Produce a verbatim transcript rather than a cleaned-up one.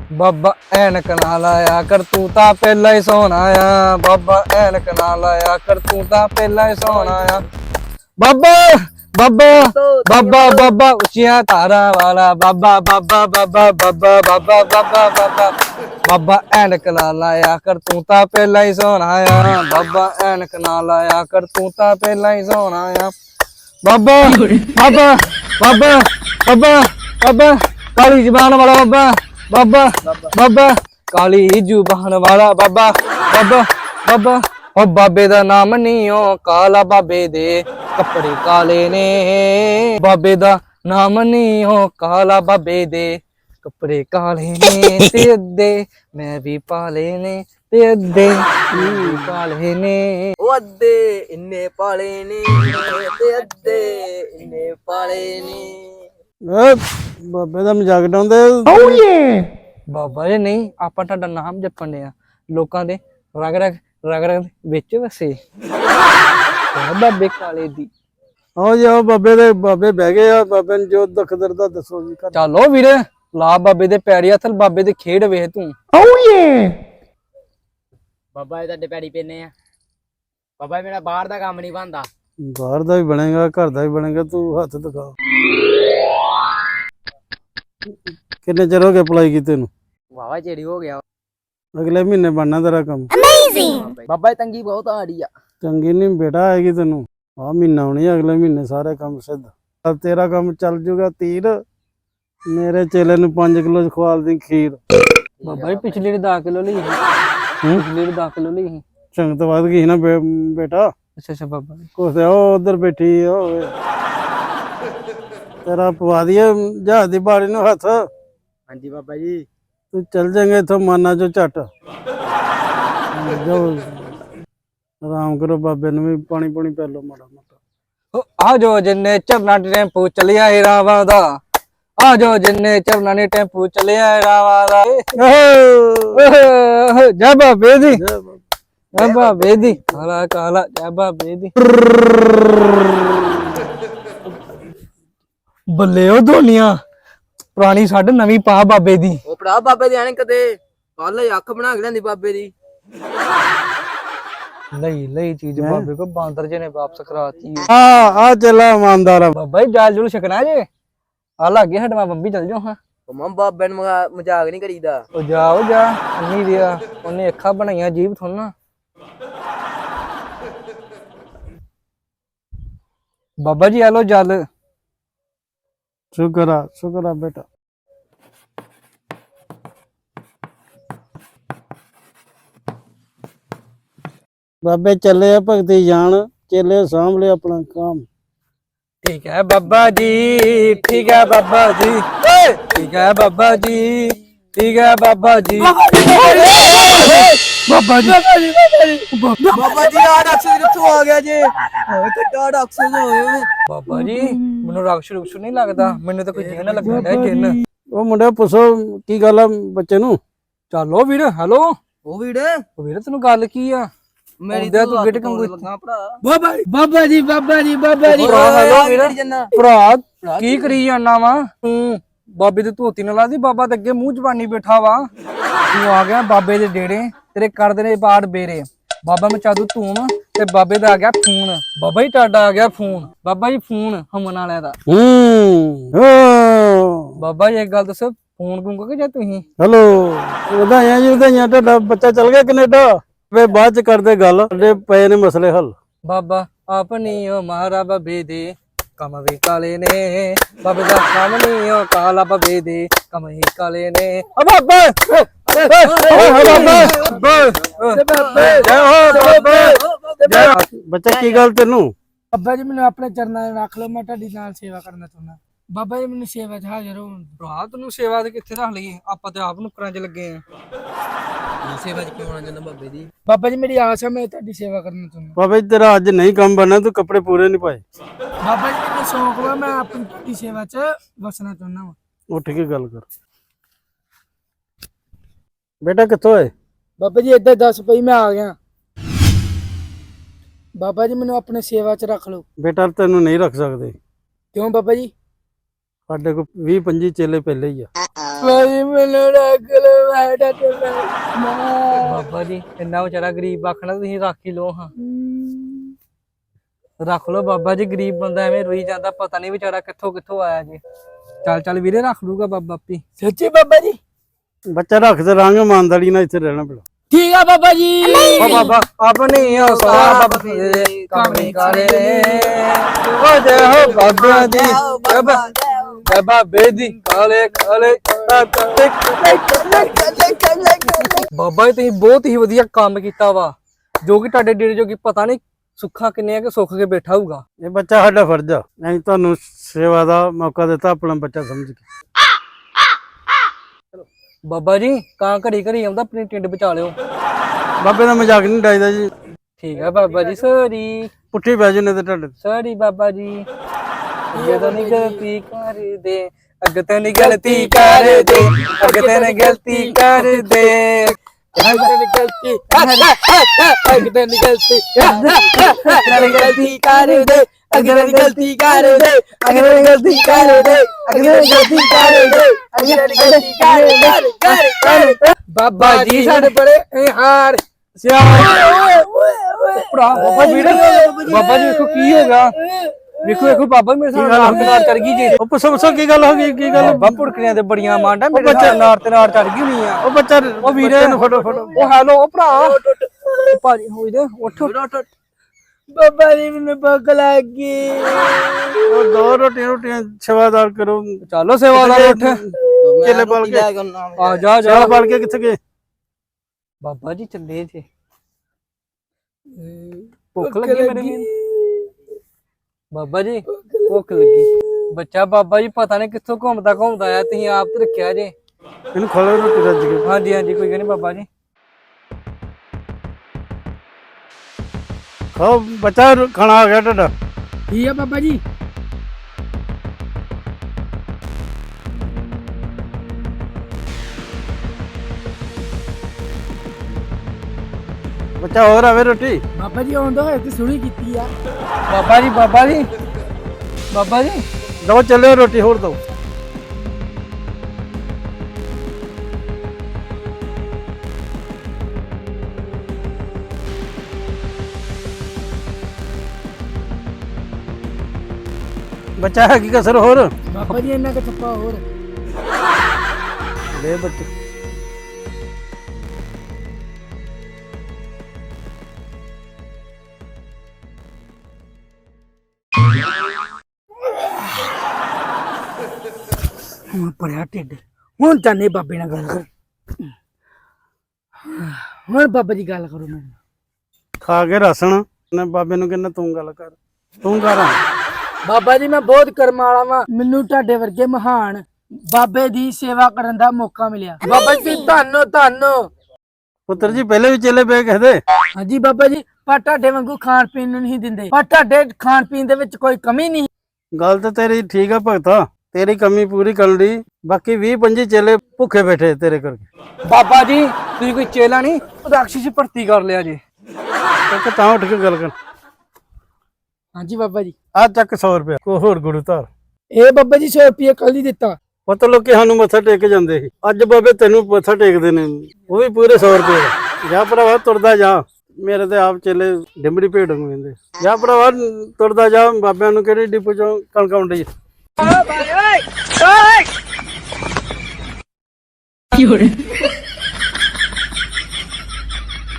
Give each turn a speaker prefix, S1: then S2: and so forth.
S1: ਬਾਬਾ ਐਨਕ ਨਾ ਲਾਇਆ ਕਰ ਤੂੰ ਤਾਂ ਪਹਿਲਾਂ ਹੀ ਸੋਹਣਾ ਆ। ਬਾਬਾ ਐਨਕ ਨਾ ਲਾਇਆ ਕਰ ਤੂੰ ਤਾਂ ਪਹਿਲਾਂ ਹੀ ਸੋਹਣਾ ਆ। ਬਾਬਾ ਬਾਬਾ ਬਾਬਾ ਬਾਬਾ ਉੱਚੀਆਂ ਧਾਰਾਂ ਵਾਲਾ ਬਾਬਾ ਬਾਬਾ ਬਾਬਾ ਬਾਬਾ ਬਾਬਾ ਬਾਬਾ ਬਾਬਾ ਬਾਬਾ ਐਨਕ ਨਾ ਲਾਇਆ ਕਰ ਤੂੰ ਤਾਂ ਪਹਿਲਾਂ ਹੀ ਸੋਹਣਾ ਆ। ਬਾਬਾ ਐਨਕ ਨਾ ਲਾਇਆ ਕਰ ਤੂੰ ਤਾਂ ਪਹਿਲਾਂ ਹੀ ਸੋਹਣਾ ਆ। ਬਾਬਾ ਬਾਬਾ ਬਾਬਾ ਬਾਬਾ ਬਾਬਾ ਕਾਲੀ ਜ਼ੁਬਾਨ ਵਾਲਾ ਬਾਬਾ ਬਾਬਾ ਬਾਬਾ ਕਾਲੀ ਜ਼ੁਬਾਨ ਵਾਲਾ ਬਾਬਾ ਬਾਬਾ ਬਾਬਾ ਉਹ ਬਾਬੇ ਦਾ ਨਾਮ ਨਹੀਂ ਉਹ ਕਾਲਾ ਬਾਬੇ ਦੇ ਕੱਪੜੇ ਕਾਲੇ ਨੇ। ਬਾਬੇ ਦਾ ਨਾਮ ਨਹੀਂ ਉਹ ਕਾਲਾ ਬਾਬੇ ਦੇ ਕੱਪੜੇ ਕਾਲੇ ਨੇ ਤੇ ਅੱਧੇ ਮੈਂ ਵੀ ਪਾਲੇ ਨੇ ਤੇ ਅੱਧੇ ਵੀ ਪਾਲੇ ਨੇ।
S2: ਉਹ ਅੱਧੇ ਇੰਨੇ ਪਾਲੇ ਨੇ ਤੇ ਅੱਧੇ ਇੰਨੇ ਪਾਲੇ ਨੇ।
S3: ਬਾਬੇ ਦਾ ਮਜ਼ਾਕ ਡਾਉਂਦੇ।
S1: ਬਾਬਾ ਜੀ ਨਹੀਂ ਆਪਾਂ ਤੁਹਾਡਾ ਨਾਮ ਜਪਣ ਡਿਆ ਲੋਕਾਂ ਦੇ ਰਗ ਰਗ ਰਗ ਰਗ ਵਿੱਚ ਵਸੇ ਬਾਬੇ ਕਾਲੇ ਦੀ।
S3: ਆਓ ਜੀ ਆਓ ਬਾਬੇ ਦੇ ਬਾਬੇ ਬਹਿ ਗਏ ਆ। ਬਾਬੇ ਨੂੰ ਜੋ ਦੁੱਖ ਦਰਦ ਆ ਦੱਸੋ ਜੀ।
S1: ਚਲੋ ਵੀਰ ਲਾ ਬਾਬੇ ਦੇ ਪੈਰੀ ਹੱਥ ਬਾਬੇ ਦੇ ਖੇਡ ਵੇਖ ਤੂੰ।
S2: ਬਾਬਾ ਇਹ ਤੁਹਾਡੇ ਪੈੜੀ ਪੈਨੇ ਆ। ਬਾਬਾ ਮੇਰਾ ਬਾਹਰ ਦਾ ਕੰਮ ਨਹੀਂ ਬਣਦਾ।
S3: ਬਾਹਰ ਦਾ ਵੀ ਬਣੇਗਾ ਘਰ ਦਾ ਵੀ ਬਣੇਗਾ। ਤੂੰ ਹੱਥ ਦਿਖਾ। ਕਿੰਨੇ ਚਿਰ ਹੋ ਗਿਆ ਅਪਲਾਈ ਕੀਤੇ ਨੂੰ?
S2: ਵਾਵਾ ਚੇੜੀ ਹੋ ਗਿਆ।
S3: ਅਗਲੇ ਮਹੀਨੇ ਬਣਨਾ ਤੇਰਾ ਕੰਮ।
S2: ਬਾਬਾ ਤੰਗੀ ਬਹੁਤ ਆੜੀ ਆ।
S3: ਚੰਗੀ ਨਹੀਂ ਬੇਟਾ ਆਏਗੀ ਤੈਨੂੰ। ਆ ਮਹੀਨਾ ਹੋਣੀ ਅਗਲੇ ਮਹੀਨੇ ਸਾਰੇ ਕੰਮ ਸਿੱਧ। ਤੇਰਾ ਕੰਮ ਚੱਲ ਜੂਗਾ ਤੀਰ। ਮੇਰੇ ਚੇਲੇ ਨੂੰ ਪੰਜ ਕਿਲੋ ਖਵਾਲ ਦੀ ਖੀਰ।
S1: ਬਾਬਾ ਜੀ ਪਿਛਲੀ ਵਾਰ ਦਸ ਕਿਲੋ ਲਈ ਸੀ। ਪਿਛਲੀ ਵਾਰ ਦਸ ਕਿਲੋ ਲਈ ਸੀ।
S3: ਸੰਗਤ ਵੱਧ ਗਈ ਨਾ ਬੇਟਾ।
S1: ਅੱਛਾ ਅੱਛਾ ਬਾਬਾ ਜੀ
S3: ਕੁਛ ਉਹ ਉਧਰ ਬੈਠੀ ਹੋਵੇ ਤੇਰਾ ਪਵਾ ਦਈਏ ਜਹਾਜ਼ ਦੀ ਬਾੜੀ ਨੂੰ ਹੱਥ।
S2: ਹਾਂਜੀ ਬਾਬਾ ਜੀ
S3: ਤੂੰ ਚੱਲ ਜਾਏਂਗੇ ਇੱਥੋਂ ਮਾਨਾ ਚੋਂ ਝੱਟ। ਜਾਓ ਆਰਾਮ ਕਰੋ। ਬਾਬੇ ਨੂੰ ਵੀ ਪਾਣੀ ਪਾਣੀ ਪੈ ਲਓ ਮਾੜਾ ਮੋਟਾ।
S1: ਆ ਜੋ ਜਿੰਨੇ ਚਰਨਾ ਟੈਂਪੂ ਚੱਲਿਆ ਏ ਰਾਵਾਂ ਦਾ। ਆ ਜੋ ਜਿੰਨੇ ਚਰਨਾ ਨੇ ਟੈਂਪੂ ਚੱਲਿਆ ਏ ਰਾਵਾਂ ਦਾ। ਜੈ ਬਾਬੇ ਦੀ ਜੈ ਬਾਬੇ ਦੀ ਕਾਲਾ ਕਾਲਾ ਜੈ ਬਾਬੇ ਦੀ। ਬੱਲੇ ਉਹ ਧੋਨੀਆਂ ਪੁਰਾਣੀ ਛੱਡ ਨਵੀਂ ਪਾ ਬਾਬੇ ਦੀ।
S2: ਉਹ ਭਰਾ ਬਾਬੇ ਦੇ ਆਣੇ ਕਦੇ ਕੱਲ ਅੱਖ ਬਣਾ ਕੇ ਲੈਂਦੀ ਬਾਬੇ ਦੀ।
S1: ਲਈ ਲਈ ਚੀਜ਼ ਬਾਬੇ ਕੋ ਬਾਂਦਰ ਜੀ ਨੇ ਵਾਪਸ ਕਰਾਤੀ।
S3: ਆ ਆ ਚੱਲਾ ਇਮਾਨਦਾਰ ਆ।
S1: ਬਾਬਾ ਜੀ ਜਾਲ ਜੁਲ ਛਕਣਾ ਜੇ ਆ ਲੱਗੇ ਹਟਵਾ ਬੰਬੀ ਚੱਲ ਜਾਓ ਹਾਂ।
S2: ਉਹ ਮੰਮ ਬਾਬੇ ਨੂੰ ਮਜ਼ਾਕ ਨਹੀਂ ਕਰੀਦਾ।
S1: ਉਹ ਜਾ ਉਹ ਜਾ ਅੰਨੀ ਦਿਆ ਉਹਨੇ ਅੱਖਾਂ ਬਣਾਈਆਂ ਜੀਭ ਥੋਨਾ। ਬਾਬਾ ਜੀ ਆ ਲੋ ਜਲ।
S3: ਸ਼ੁਕਰ ਆ ਸ਼ੁਕਰ ਆ ਬੇਟਾ। ਬਾਬੇ ਚੱਲੇ ਆ ਭਗਤੀ ਜਾਣ। ਚੇਲੇ ਸਾਂਭ ਲਿਆ ਆਪਣਾ ਕੰਮ।
S1: ਠੀਕ ਹੈ ਬਾਬਾ ਜੀ ਠੀਕ ਹੈ ਬਾਬਾ ਜੀ ਠੀਕ ਹੈ ਬਾਬਾ ਜੀ ਠੀਕ ਹੈ ਬਾਬਾ ਜੀ। ਬਾਬਾ ਜੀ
S2: ਬਾਬਾ ਜੀ ਆ ਡਾਕਟਰ ਕਿੱਥੋਂ ਆ ਗਿਆ ਜੇ? ਤੇ ਕਾ ਡਾਕਟਰ ਹੋਏ।
S1: ਬਾਬਾ ਜੀ ਮੈਨੂੰ ਰਾਕਸ਼ ਰੁਕਸ਼ ਨਹੀਂ ਲੱਗਦਾ। ਮੈਨੂੰ ਤਾਂ ਕੋਈ ਜਿੰਨ ਲੱਗਦਾ ਹੈ ਜਿੰਨ।
S3: ਉਹ ਮੁੰਡਾ ਪੁੱਛੋ ਕੀ ਗੱਲ ਆ ਬੱਚੇ ਨੂੰ।
S1: ਚਲੋ ਵੀਰ ਹੈਲੋ।
S2: ਉਹ ਵੀੜੇ
S1: ਉਹ ਵੀਰ ਤੈਨੂੰ ਗੱਲ ਕੀ ਆ?
S2: ਮੇਰੀ
S1: ਤੂੰ ਗਿੱਟ ਕੰਗੂ
S2: ਲੱਗਾ ਭਰਾ।
S1: ਬਾਬਾ ਬਾਬਾ ਜੀ ਬਾਬਾ ਜੀ ਬਾਬਾ ਜੀ
S2: ਜੰਨਾ
S1: ਭਰਾ ਕੀ ਕਰੀ ਜਾਣਾ ਵਾ ਤੂੰ? ਬਾਬੇ ਦੀ ਧੋਤੀ ਨਾਲ ਲਾਦੀ ਬਾਬਾ ਤੇ ਅੱਗੇ ਮੂੰਹ ਜ਼ਬਾਨੀ ਬੈਠਾ ਵਾ। ਤੂੰ ਆ ਗਿਆ ਬਾਬੇ ਦੇ ਡੇੜੇ ਤੇਰੇ ਕਰਦੇ ਨੇ ਬਾੜ ਬੇਰੇ। ਬਾਬਾ ਮਚਾ ਦੂ ਧੂਮ ਤੇ ਬਾਬੇ ਦਾ ਆ ਗਿਆ ਫੋਨ। ਬਾਬਾ ਜੀ ਤੁਹਾਡਾ ਆ ਗਿਆ ਫੋਨ। ਬਾਬਾ ਜੀ ਫੋਨ ਹਮਨ ਵਾਲਿਆਂ ਦਾ।
S3: ਹੂੰ
S1: ਬਾਬਾ ਜੀ ਇੱਕ ਗੱਲ ਦੱਸੋ ਫੋਨ ਗੂੰਗਾ ਕਿ ਜਾਂ ਤੁਸੀਂ?
S3: ਹੈਲੋ ਵਧਾਈਆਂ ਜੀ ਵਧਾਈਆਂ। ਤੁਹਾਡਾ ਬੱਚਾ ਚੱਲ ਗਿਆ ਕੈਨੇਡਾ। ਵੇ ਬਾਅਦ ਚ ਕਰਦੇ ਗੱਲ। ਸਾਡੇ ਪਏ ਨੇ ਮਸਲੇ ਹੱਲ।
S1: ਬਾਬਾ ਆਪਣੀ ਓ ਮਾਰਾ ਬਾਬੇ ਦੇ ਕੰਮ ਵੀ ਕਾਲੇ ਨੇ। ਬਾਬੇ ਦਾ ਕੰਮ ਨਹੀਂ ਓ ਕਾਲਾ ਬਾਬੇ ਦੇ ਕੰਮ ਹੀ ਕਾਲੇ ਨੇ। ਓ ਬਾਬਾ
S3: ਬੱਚਾ ਕੀ ਗੱਲ ਤੈਨੂੰ?
S4: ਬਾਬਾ ਜੀ ਮੈਨੂੰ ਆਪਣੇ ਚਰਨਾਂ 'ਚ ਰੱਖ ਲਓ। ਮੈਂ ਤੁਹਾਡੀ ਨਾਲ ਸੇਵਾ ਕਰਨਾ ਚਾਹੁੰਦਾ। ਬਾਬਾ ਜੀ ਮੈਨੂੰ ਸੇਵਾ 'ਚ ਹਾਜ਼ਰ ਹੋ।
S1: ਭਰਾ ਤੈਨੂੰ ਸੇਵਾ ਤੇ ਕਿੱਥੇ ਰੱਖ ਲਈਏ? ਆਪਾਂ ਤੇ ਆਪ ਨੁਕਰਾਂ 'ਚ ਲੱਗੇ ਆ।
S2: ਸੇਵਾ ਚ ਕਿਉਂ ਆਣਾ ਚਾਹੁੰਦਾ ਬਾਬੇ ਦੀ?
S4: ਬਾਬਾ ਜੀ ਮੇਰੀ ਆਸ ਹੈ ਮੈਂ ਤੁਹਾਡੀ ਸੇਵਾ ਕਰਨਾ ਚਾਹੁੰਦਾ।
S3: ਬਾਬਾ ਜੀ ਤੇਰਾ ਅੱਜ ਨਹੀਂ ਕੰਮ ਬਣਨਾ। ਤੂੰ ਕੱਪੜੇ ਪੂਰੇ ਨਹੀਂ ਪਾਏ।
S4: ਬਾਬਾ ਜੀ ਮੈਨੂੰ ਸ਼ੌਂਕ ਵਾ ਮੈਂ ਆਪਣੀ ਤੁਹਾਡੀ ਸੇਵਾ 'ਚ ਵਸਣਾ ਚਾਹੁੰਦਾ ਵਾ।
S3: ਉੱਠ ਕੇ ਗੱਲ ਕਰ। ਬੇਟਾ ਕਿੱਥੋਂ ਹੈ?
S4: ਬਾਬਾ ਜੀ ਏਦਾਂ ਦੱਸ ਪਈ ਮੈਂ ਆ ਗਿਆ। ਬਾਬਾ ਜੀ ਮੈਨੂੰ ਆਪਣੇ ਸੇਵਾ 'ਚ ਰੱਖ ਲਓ।
S3: ਬੇਟਾ ਤੈਨੂੰ ਨਹੀਂ ਰੱਖ ਸਕਦੇ।
S4: ਕਿਉਂ ਬਾਬਾ ਜੀ?
S3: ਸਾਡੇ ਕੋਲ ਵੀਹ ਪੰਜੀ ਚੇਲੇ ਪਹਿਲੇ ਹੀ ਆ।
S4: ਭਾਜੀ ਮੈਨੂੰ ਰੱਖ ਲਓ ਮੈਂ ਤੁਹਾਡੇ ਨਾਲ
S1: ਬਾਬਾ ਜੀ ਇੰਨਾ ਵਿਚਾਰਾ ਗਰੀਬ ਆਖਣਾ ਤੁਸੀਂ ਰੱਖ ਹੀ ਲਓ ਹਾਂ ਰੱਖ ਲਓ ਬਾਬਾ ਜੀ, ਗਰੀਬ ਬੰਦਾ ਐਵੇਂ ਰੋਈ ਜਾਂਦਾ, ਪਤਾ ਨਹੀਂ ਵਿਚਾਰਾ ਕਿੱਥੋਂ ਕਿੱਥੋਂ ਆਇਆ ਜੀ। ਚੱਲ ਚੱਲ ਵੀਰੇ ਰੱਖ ਲੂਗਾ ਬਾਬਾ ਆਪੀ।
S4: ਸੱਚੀ ਬਾਬਾ ਜੀ?
S3: ਬੱਚਾ ਰੱਖ ਤੇ ਰਾਂਗੇ ਇਮਾਨਦਾਰੀ ਨਾਲ ਇੱਥੇ ਰਹਿਣਾ ਪੈਣਾ।
S4: ਠੀਕ ਆ ਬਾਬਾ ਜੀ।
S1: ਓ ਬਾਬਾ ਆਪਣੀ ਹੋ ਸੋਹਣਾ ਬਾਬਾ ਤੇਰੇ ਕੰਮ ਕਾਲੇ ਓ ਜੈ ਹੋ ਬਾਬਾ ਦੀ ਬਾਬਾ ਬਾਬਾ ਬੇਦੀ ਕਾਲੇ ਕਾਲੇ ਬਾਬਾ ਜੀ ਤੁਸੀਂ ਬਹੁਤ ਹੀ ਵਧੀਆ ਕੰਮ ਕੀਤਾ ਵਾ, ਜੋ ਕਿ ਤੁਹਾਡੇ ਡੇਰੇ ਜੋ ਕਿ ਪਤਾ ਨਹੀਂ ਸੁੱਖਾ ਕਿੰਨੇ ਆ ਕਿ ਸੁੱਖ ਕੇ ਬੈਠਾ ਹੋਊਗਾ।
S3: ਇਹ ਬੱਚਾ ਸਾਡਾ ਫਰਜ਼ ਆ, ਅਸੀਂ ਤੁਹਾਨੂੰ ਸੇਵਾ ਦਾ ਮੌਕਾ ਦਿੱਤਾ ਆਪਣਾ ਬੱਚਾ ਸਮਝ ਕੇ।
S1: ਬਾਬਾ ਜੀ ਕਾਂ ਘੜੀ ਘੜੀ ਆਉਂਦਾ, ਆਪਣੀ ਟਿੰਡ ਬਚਾ ਲਿਓ।
S3: ਬਾਬੇ ਦਾ ਮਜ਼ਾਕ ਨਹੀਂ ਡਾਈਦਾ ਜੀ।
S1: ਠੀਕ ਹੈ ਬਾਬਾ ਜੀ, ਸੌਰੀ
S3: ਪੁੱਠੀ ਬਹਿ ਜੂ ਨੇ ਤੇ ਤੁਹਾਡੇ
S1: ਸੌਰੀ ਬਾਬਾ ਜੀ। ਜਦੋਂ ਨਹੀਂ ਗਲਤੀ ਕਰਦੇ ਅੱਗੇ ਤੇ ਨਹੀਂ ਗਲਤੀ ਕਰਦੇ ਅੱਗੇ ਤੇ ਨਹੀਂ ਗਲਤੀ ਕਰਦੇ
S4: ਅਗਰ ਗਲਤੀ ਅਗਰ ਗਲਤੀ ਅਗਰ ਗਲਤੀ ਕਰ ਦੇ ਅਗਰ ਗਲਤੀ ਕਰ ਦੇ ਅਗਰ ਗਲਤੀ ਕਰ ਦੇ ਅਗਰ ਗਲਤੀ ਕਰ ਦੇ ਅਗਰ ਗਲਤੀ ਕਰ ਕਰ ਕਰ
S1: ਬਾਬਾ ਜੀ ਸਾਡੇ
S4: ਬੜੇ ਹਾਰ
S1: ਭਰਾ ਬਾਬਾ ਵੀਰੇ ਬਾਬਾ ਜੀ ਵੇਖੋ ਕੀ ਹੋ ਗਿਆ, ਵੇਖੋ ਵੇਖੋ ਬਾਬਾ ਮੇਰੇ ਸਾਹ ਨਾਰ ਚੜ ਗਈ ਜੀ।
S3: ਉਹ ਪੁੱਛੋ ਪੁੱਛੋ ਕੀ ਗੱਲ ਹੋ ਗਈ, ਕੀ ਗੱਲ?
S1: ਬਾਬਾ ਪੁੜਕਣੀਆਂ ਤੇ ਬੜੀਆਂ ਮਾਂਡਾ ਮੇਰੇ ਬੱਚੇ ਨਾਰ ਤੇ ਨਾਰ ਚੜ ਗਈ ਹੋਣੀ ਆ।
S3: ਉਹ ਬੱਚਾ
S1: ਉਹ ਵੀਰੇ
S3: ਨੂੰ ਫੜੋ ਫੜੋ।
S1: ਉਹ ਹੈਲੋ ਉਹ ਭਰਾ ਭਾਜੀ ਹੋਈ ਦੇ ਉੱਠ
S4: ਬਾਬਾ ਜੀ ਮੈਨੂੰ ਭੁੱਖ ਲੱਗ ਗਈ।
S3: ਉਹ ਦੋ ਰੋਟੀਆਂ ਰੋਟੀਆਂ ਸੇਵਾਦਾਰ ਕਰੋ।
S1: ਚਲੋ ਸੇਵਾਦਾਰ ਉੱਠ
S3: ਚੇਲੇ ਬਲ ਕੇ
S1: ਆ ਜਾ ਜਾ
S3: ਚੇਲੇ ਬਲ ਕੇ ਕਿੱਥੇ ਗਏ?
S1: ਬਾਬਾ ਜੀ ਚੱਲੇ ਜੇ ਭੁੱਖ ਲੱਗੀ ਮੇਰੇ ਵੀਰ ਬਾਬਾ ਜੀ ਭੁੱਖ ਲੱਗੀ। ਬੱਚਾ ਬਾਬਾ ਜੀ ਪਤਾ ਨਹੀਂ ਕਿੱਥੋਂ ਘੁੰਮਦਾ ਘੁੰਮਦਾ ਆਇਆ, ਤੁਸੀਂ ਆਪ ਤੇ ਰੱਖਿਆ ਜੇ।
S3: ਇਹਨੂੰ ਖੋਲੋ ਰੋਟੀ ਰੱਜ ਕੇ।
S1: ਹਾਂਜੀ ਹਾਂਜੀ ਕੋਈ ਗੱਲ ਨਹੀਂ ਬਾਬਾ ਜੀ।
S3: ਖਾਓ ਬੱਚਾ, ਖਾਣਾ ਆ ਗਿਆ ਤੁਹਾਡਾ।
S4: ਠੀਕ ਆ ਬਾਬਾ ਜੀ।
S3: ਬੱਚਾ ਹੋਰ ਆਵੇ ਰੋਟੀ।
S4: ਬਾਬਾ ਜੀ ਆਉਂਦਾ ਹੋਏ ਤੇ ਸੁਣੀ ਕੀਤੀ ਆ।
S1: ਬਾਬਾ ਜੀ ਬਾਬਾ ਜੀ ਬਾਬਾ ਜੀ
S3: ਦੋ ਚੱਲਿਓ ਰੋਟੀ ਹੋਰ ਦੋ। ਬੱਚਾ ਹੈ ਕੀ ਕਸਰ ਹੋਰ?
S4: ਬਾਬਾ ਜੀ ਇਹਨਾਂ ਦਾ ਛੱਪਾ ਹੋਰ
S3: ਦੇ ਬੱਚੇ।
S4: ਹੁਣ ਪੜਿਆ ਢਿੱਡ, ਹੁਣ ਜਾਨੇ ਬਾਬੇ ਨਾਲ ਗੱਲ ਕਰ। ਹੁਣ ਬਾਬਾ ਜੀ ਗੱਲ ਕਰੋ ਮੈਨੂੰ।
S3: ਖਾ ਕੇ ਰਸਣ ਨੇ ਬਾਬੇ ਨੂੰ ਕਹਿੰਦਾ ਤੂੰ ਗੱਲ ਕਰ, ਤੂੰ ਕਰ।
S4: ਬਾਬਾ ਜੀ ਮੈਂ ਬਹੁਤ ਕਰਮ ਵਾਲਾ ਵਾਂ, ਮੈਨੂੰ ਤੁਹਾਡੇ ਵਰਗੇ ਮਹਾਨ ਬਾਬੇ ਦੀ ਸੇਵਾ ਕਰਨ ਦਾ ਮੌਕਾ ਮਿਲਿਆ। ਬਾਬਾ ਜੀ ਧੰਨੋ ਧੰਨੋ।
S3: ਪੁੱਤਰ ਜੀ ਪਹਿਲੇ ਵੀ ਚੇਲੇ ਪਏ ਕਹਦੇ।
S4: ਹਾਂਜੀ ਬਾਬਾ ਜੀ, ਪਰ ਤੁਹਾਡੇ ਵਾਂਗੂ ਖਾਣ ਪੀਣ ਨੂੰ ਨਹੀਂ ਦਿੰਦੇ, ਪਰ ਤੁਹਾਡੇ ਖਾਣ ਪੀਣ ਦੇ ਵਿੱਚ ਕੋਈ ਕਮੀ ਨਹੀਂ।
S3: ਗੱਲ ਤਾਂ ਤੇਰੀ ਠੀਕ ਆ ਭਗਤਾ, ਤੇਰੀ ਕਮੀ ਪੂਰੀ ਕਰਨ ਲਈ ਬਾਕੀ ਵੀਹ ਪੰਜੀ ਚੇਲੇ ਭੁੱਖੇ ਬੈਠੇ ਤੇਰੇ ਕਰਕੇ।
S1: ਬਾਬਾ ਜੀ ਤੁਸੀਂ ਕੋਈ ਚੇਲਾ ਨਹੀਂ ਰਾਖਸ਼ੀ ਚ ਭਰਤੀ ਕਰ ਲਿਆ ਜੀ।
S3: ਇੱਕ ਤਾਂ ਉੱਠ ਕੇ ਗੱਲ ਕਰ।
S4: ਹਾਂਜੀ ਬਾਬਾ ਜੀ।
S3: ਆ ਚੱਕ ਸੌ ਰੁਪਇਆ ਕੋ ਹੋਰ ਗੁਰੂ ਧਾਰ।
S4: ਇਹ ਬਾਬਾ ਜੀ ਸੌ ਰੁਪਏ ਕੱਲ ਹੀ ਦਿੱਤਾ।
S3: ਪਤਾ ਲੋਕੀ ਸਾਨੂੰ ਮੱਥਾ ਟੇਕ ਜਾਂਦੇ ਸੀ, ਅੱਜ ਬਾਬੇ ਤੈਨੂੰ ਮੱਥਾ ਟੇਕਦੇ ਨੇ, ਉਹ ਵੀ ਪੂਰੇ ਸੌ ਰੁਪਏ ਦਾ। ਜਾ ਭਰਾਵਾ ਤੁਰਦਾ ਜਾ, ਮੇਰੇ ਤੇ ਆਪ ਚੇਲੇ ਡਿੰਬੜੀ ਭੇਡ ਨੂੰ ਕਹਿੰਦੇ। ਜਾ ਭਰਾਵਾ ਤੁਰਦਾ ਜਾ, ਬਾਬਿਆਂ ਨੂੰ ਕਿਹੜੀ ਡਿਪੂ ਚੋਂ ਕਣਕ ਆਉਂਦੀ।
S4: ਓਏ ਓਏ ਓਏ